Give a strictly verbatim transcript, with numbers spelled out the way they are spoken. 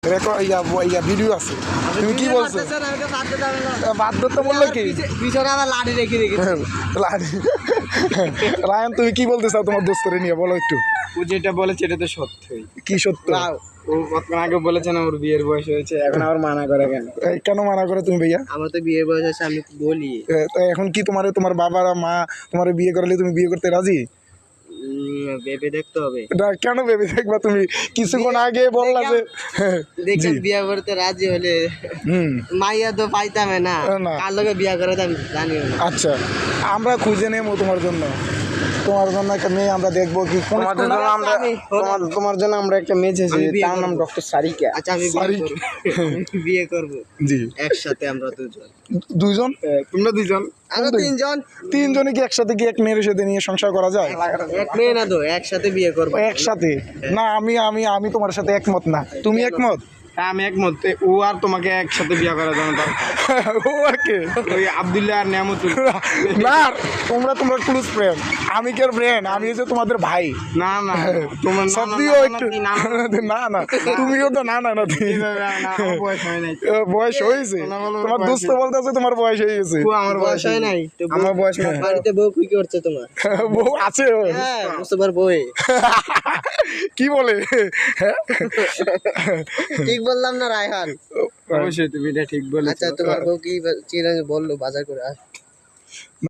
Record ইয়া ইয়া video আছে। তুমি কি বলছো? বাদ ধরতে বললো কি? পিছনে আবার লাঠি রেখে রেখেছি। লাঠি। রায়ান তুমি কি বলতে চাও তোমার দোস্তরে নিয়ে, বলো একটু। ও যেটা বলেছে এটা তো সত্যই। কি সত্য? ও কতক্ষণ আগে বলেছে না ওর বিয়ের বয়স হয়েছে, এখন আবার মানা করে কেন? এই, কেন মানা করে তুমি ভাইয়া? আমার তো বিয়ের বয়স আছে, আমি তো বলি। এ, তো এখন কি তোমার তোমার বাবার মা তোমার বিয়ে করালে তুমি বিয়ে করতে রাজি? উম, ভেবে দেখতে হবে। এটা কেন ভেবে দেখবা? তুমি কিছুক্ষণ আগে বললা যে দেখলাম বিয়ে করতে রাজি হলে হুম মাইয়া তো পাইতামে না, না। কার লোকে বিয়ে করে তো আমি জানিও না। আচ্ছা, আমরা খুঁজে নেবো তোমার জন্য, তোমার জন্য একটা মেয়ে আমরা দেখবো কি কোন তোমাদের জন্য আমরা তোমার তোমার জন্য আমরা একটা মেয়ে চেয়েছি, আমি বিয়ে তার নাম করবো। ডক্টর সারিকা। আচ্ছা আমি বিয়ে Sorry. করবো। আমি বিয়ে করবো জি একসাথে আমরা দুজন। দুইজন? তোমরা দুজন আমরা তিনজন। তিনজনে কি একসাথে কি এক মেয়ের সাথে নিয়ে সংসার করা যায়? এক মেয়ে না তো, একসাথে বিয়ে করবো। একসাথে না, আমি আমি আমি তোমার সাথে একমত না। তুমি একমত? হ্যাঁ আমি একমত। ও আর তোমাকে একসাথে বিয়ে করার জন্য দরকার। ও আর কে? ওই আব্দুল্লাহ আর নিয়ামতুল। না, তোমরা তোমরা ক্লোজ ফ্রেন্ড, আমি কি ফ্রেন্ড? আমি হচ্ছে তোমাদের ভাই। না না তোমার না, না, সত্যিও না, না, একটু না, না, না না, তুমিও তো না না না তুমি- না, না, না, আমার বয়স হয় নাই। ও, বয়স হয়েছে? না, বলো, তোমার বয়স দোস্ত বলতেছে তোমার বয়স হয়ে গেছে। ও আমার বয়স হয় নাই তো বউ- আমার বয়স না। বাড়িতে বউ কি করছে তোমার? বউ আছে ওর? হ্যাঁ মুস্তফার বউ। কি বলে? ঠিক বললাম না রায়হান? অবশ্যই তুমি এটা ঠিক বলেছো। আচ্ছা তোমার বউ কি চিরাজ বললো বাজার করে আস।